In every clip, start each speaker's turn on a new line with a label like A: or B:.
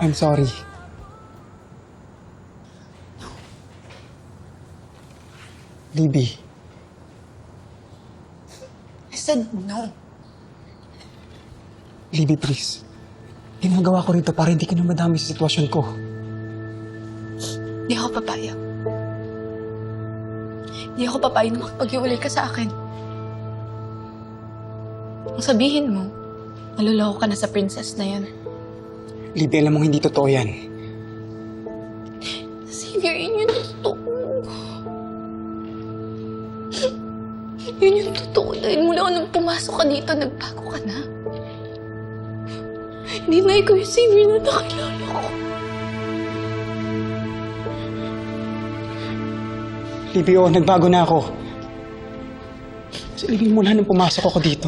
A: I'm sorry. Libby,
B: I said no.
A: Libby, please. Ginagawa ko rito para hindi ka na madami sa sitwasyon ko.
B: Hindi ako papayag. Hindi ako papayag na makipag-iwalay ka sa akin. Ang sabihin mo, naluloko ka na sa princess na yan.
A: Libby, alam mong hindi totoo yan.
B: Xavier, yun yung totoo. Yun yung totoo dahil mula nung pumasok ka dito, nagbago ka na. Hindi na ikaw yung Xavier na nakilala ko.
A: Libby, oo, nagbago na ako. Kasi Libby, mula nung pumasok ako dito,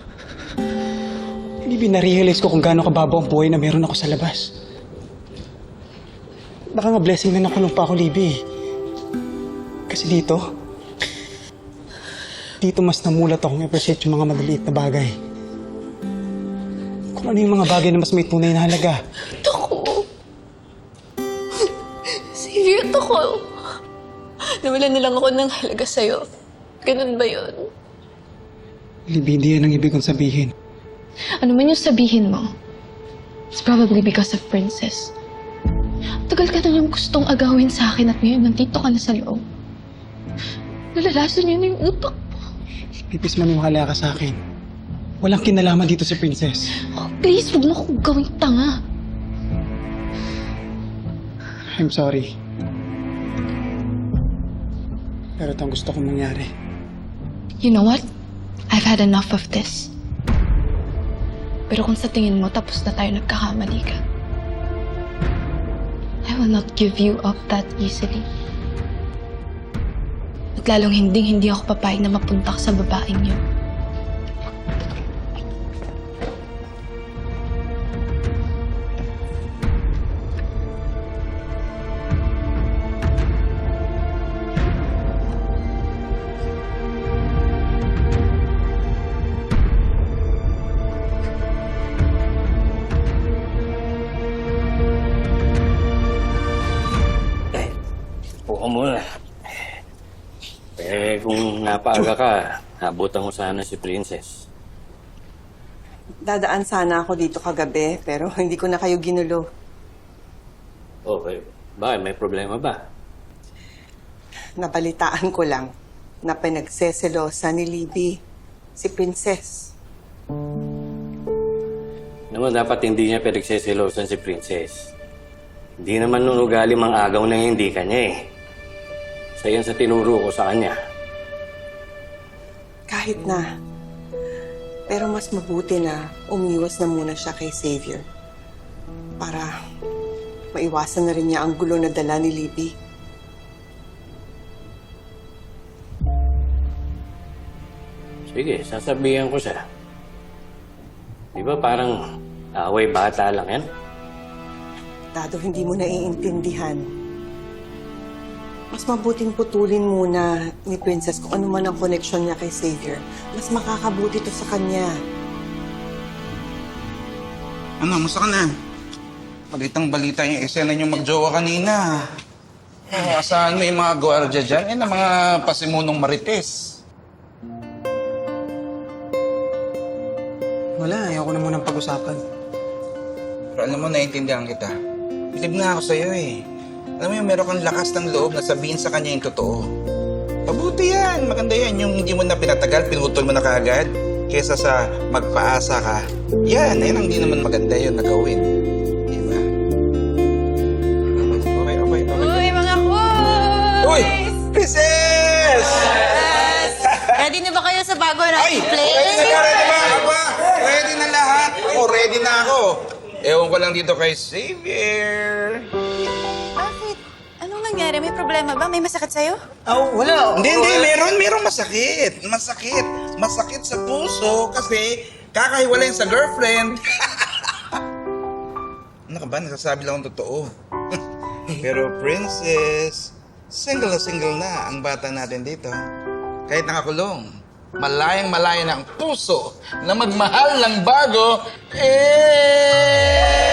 A: Libby, na-realize ko kung gaano kababo ang buhay na meron ako sa labas. Baka nga blessing na nakulong pa ako, Libby. Kasi dito mas namulat akong i-appreciate yung mga maliliit na bagay. Kung ano yung mga bagay na mas may tunay na halaga.
B: Ako. Xavier, ako. Nawalan na lang ako ng halaga sa'yo. Ganun ba yun?
A: Libby, hindi yan ang ibig kong sabihin.
B: Ano man yung sabihin mo, it's probably because of Princess. Tagal ka na yung gustong agawin sa akin at ngayon nandito ka na sa loob. Nalalason yun yung utak mo.
A: Pipis maniwala ka sa akin. Walang kinalaman dito si Princess.
B: Oh, please, huwag mo akong gawing tanga.
A: I'm sorry. Pero ito ang gusto kong mangyari.
B: You know what? I've had enough of this. Pero kung sa tingin mo tapos na tayo nagkakamali ka, I will not give you up that easily. At lalong hindi ako papayag na mapunta ka sa babaeng yun.
C: Upo ka muna. Kung napaaga ka, abutan mo sana si Princess.
D: Dadaan sana ako dito kagabi, pero hindi ko na kayo ginulo.
C: Okay. Bakit? May problema ba?
D: Nabalitaan ko lang na pinagseselosa ni Libby si Princess.
C: Naman dapat hindi niya pinagseselosan si Princess. Hindi naman nung ugali mang agaw na hindi kanya eh. Sa yan sa tinuro ko sa kanya.
D: Kahit na. Pero mas mabuti na umiwas na muna siya kay Xavier. Para maiwasan na rin niya ang gulo na dala ni Libby.
C: Sige, sasabihan ko siya. Di ba parang away bata lang yan?
D: Dado, hindi mo naiintindihan. Mas mabuting putulin muna ni Princess kung ano man ang koneksyon niya kay Xavier. Mas makakabuti to sa kanya.
E: Ano, musta ka na? Balitang-balita yung eksena niyo magjowa kanina. Oh, asahan mo yung mga gwardiya dyan? Eh, na mga pasimunong marites.
A: Wala, ayoko na munang pag-usapan.
E: Pero alam mo, naiintindihan kita. Bilib na ako sa'yo eh. Alam mo yung meron kang lakas ng loob na sabihin sa kanya yung totoo. Mabuti yan, maganda yan. Yung hindi mo na pinatagal, pinutol mo na kaagad. Kesa sa magpaasa ka. Yan ang hindi naman maganda yun na gawin. Diba? Okay.
F: Uy, mga boys!
E: Uy! Princess!
F: Yes! Ready na ba kayo sa bago natin play?
E: Ready na ba? Ready na lahat. Ako, ready na ako. Ewan ko lang dito kay Xavier.
F: Bakit? Anong nangyari? May problema ba? May masakit sa'yo?
E: Oh, wala. Hindi. Meron masakit. Masakit sa puso kasi kakahiwalay sa girlfriend. Ano ka ba? Nasasabi lang ang totoo. Pero Princess, single na ang bata natin dito. Kahit nakakulong, malayang-malaya na ang puso na magmahal ng bago.